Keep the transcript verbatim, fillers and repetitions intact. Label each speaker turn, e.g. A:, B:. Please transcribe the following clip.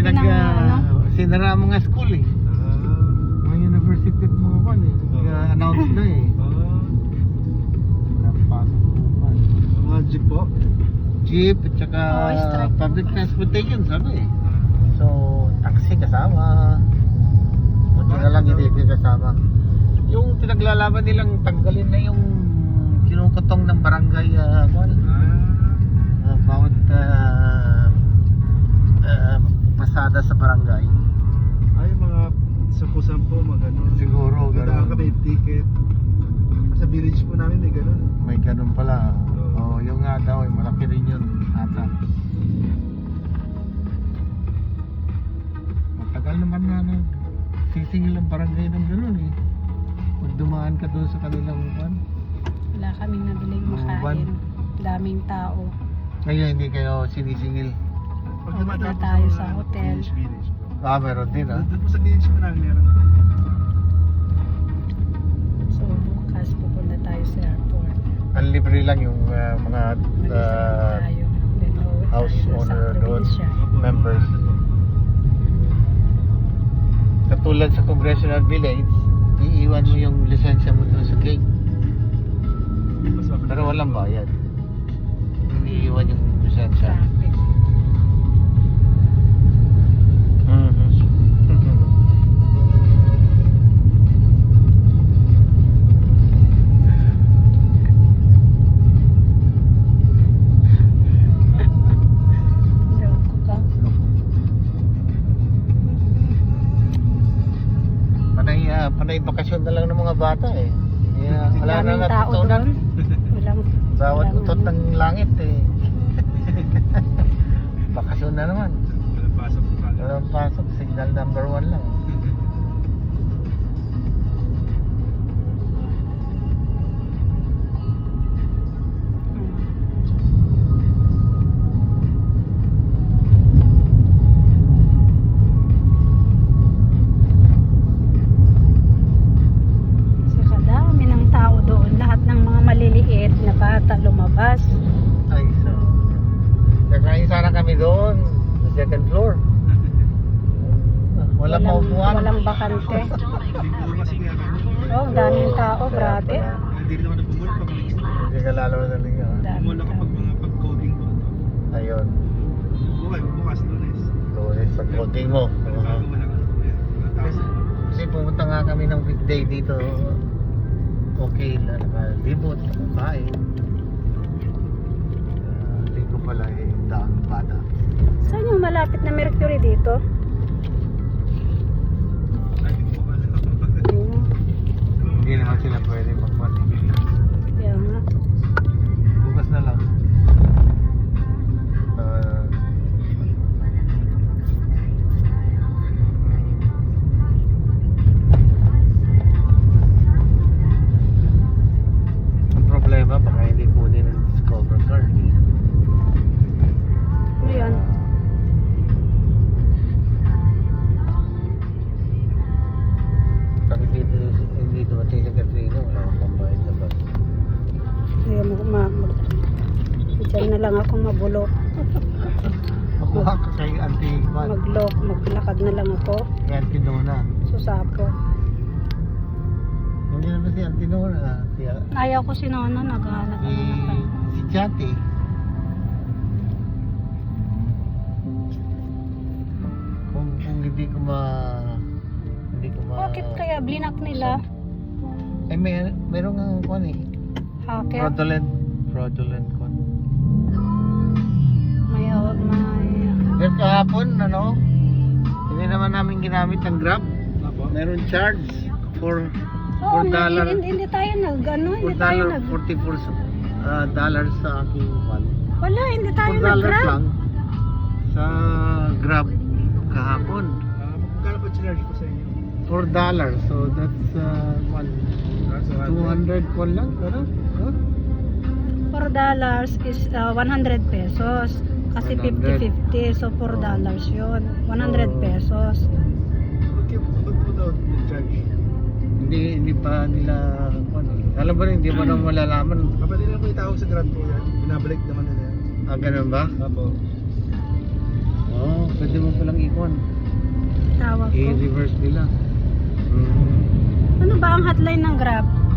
A: nag,
B: ng
A: ah,
B: ano.
A: sinara ang mga school eh.
C: Ah.
A: Mga university at mga kan eh. Nag-announce na eh.
C: Ah.
A: Napasok po pa.
C: Mga jeep po.
A: Jeep at saka
B: Oo, strike.
A: public transportation sabi eh. So, taxi kasama. Buti na lang hindi hindi kasama. Yung pinaglalaban nilang tanggalin na yung kinukutong ng barangay uh,
C: Ah.
A: uh, bawat uh, uh, pasada sa barangay.
C: Ay, mga sampu-sampu, mga ganun.
A: Siguro,
C: Dadaan
A: ganun.
C: kami yung ticket. Sa village po namin may ganun.
A: May ganun pala.
C: Oo.
A: Oh, yung nga daw, eh, malaki rin yun ata. Matagal naman na nag sisingil ang barangay ng ganun eh. Pag dumaan ka doon sa kanilang van.
B: Wala kaming nabiling
A: Oo,
B: makain.
A: ban-
B: Daming tao.
A: Kaya hindi kayo sinisingil.
C: Pag
B: Oo,
C: dumadaan
B: na
C: po
B: tayo
C: mga
B: sa hotel.
C: Village, village po.
A: Ah, meron din ah.
C: Doon po sa village po namin meron.
B: So bukas pupunta tayo sa airport.
A: Ang libre lang yung uh, mga
B: Mag-isa
A: uh,
B: tayo. Then uuwi
A: house
B: tayo sa
A: owner doon.
B: probinsya.
A: Members. Katulad sa congressional village, iiwan mo yung lisensya mo doon sa gate.
C: Mas mabilis.
A: Pero walang bayad. Iiwan yung lisensya.
B: Traffic.
A: Mhm.
B: Loko ka.
A: Panay, ah, panay bakasyon na lang ng mga bata eh. Yeah, wala na
B: Daming tao
A: natutunan.
B: doon. Walang
A: Bawat
B: walang
A: utot
B: ano.
A: ng langit eh. Bakasyon na naman.
C: Walang pasok po pala.
A: Walang pasok, signal number one lang.
B: Kasi kadami ng tao doon. Lahat ng mga maliliit na bata lumabas.
A: Ay, so. Kakain sana kami doon, sa second floor. Walang maupuan.
B: Walang bakante.
C: Hindi po kasi nga kami.
B: Oh, ang daming tao, grabe.
C: Hindi rin naman nagpumul pag
A: Hindi ka lalo na liga.
B: Daming
C: pumul ako
B: tao.
C: pag mga pag-coding po.
A: Ayun,
C: Bukas, bukas lunes.
A: lunes pag coding mo.
C: Pero bago wala ka. Walang tao.
A: Kasi pumunta nga kami ng weekday dito. Okay na, nakalibot, nakakain. Uh, linggo pala eh, daang bata.
B: Saan yung malapit na Mercury dito?
C: Ay, hindi ko pala.
B: Hmm,
A: Hindi naman sila pwede magmati.
B: kaya nga.
A: Bukas na lang. Uh, ang problema, baka hindi kunin ng Discover card.
B: Ano yun?
A: Pag hindi, hindi dumating sa Katrina, wala akong pambayad na bus.
B: Kaya mag, ma, mag, dyan na lang ako mabulok.
A: Makuha ka kay Auntie Juan,
B: Maglok, maglakad na lang ako.
A: kay Auntie Nona.
B: Susapo.
A: Hindi naman si Auntie Nona, si,
B: Ayaw ko si Nono, naghahanap
A: si,
B: ako ng kanya.
A: si Chati. Kung, kung hindi ko ma... Hindi ko ma...
B: Bakit kaya blinak nila?
A: Eh, may, meron nga kwan eh.
B: Hacker?
A: Fraudulent. Fraudulent kwan.
B: May, uh, may,
A: Pero kahapon, ano, hindi naman namin ginamit ang Grab.
C: Apo.
A: Meron charge for
B: oh,
A: four dollar.
B: hindi, hindi tayo nag, ano,
A: four
B: hindi tayo
A: dollar
B: nag,
A: forty-four uh, dollars sa aking kwan.
B: wala, hindi tayo
A: four dollars
B: nag-grab.
A: lang sa Grab kahapon.
C: Ah, magkano po charge po sa inyo?
A: four dollars. So that's uh, one,
C: Ah, so,
A: two hundred kwan lang. Ano? Huh?
B: four dollars is uh, one hundred pesos. Kasi
A: one hundred.
B: fifty fifty, so four dollars yun. one hundred
A: Oh.
B: pesos.
C: Okay, ba't po daw charge?
A: Hindi hindi pa nila kwan eh. Alam mo rin, hindi mo na malalaman.
C: Kapag nila po itawag sa Grab po yan, binabalik naman nila yan.
A: Ah, ganun ba?
C: Apo.
A: Oo, pwede mo palang ikon.
B: Tawag ko.
A: I-reverse nila. Mm.
B: Ano ba ang hotline ng Grab?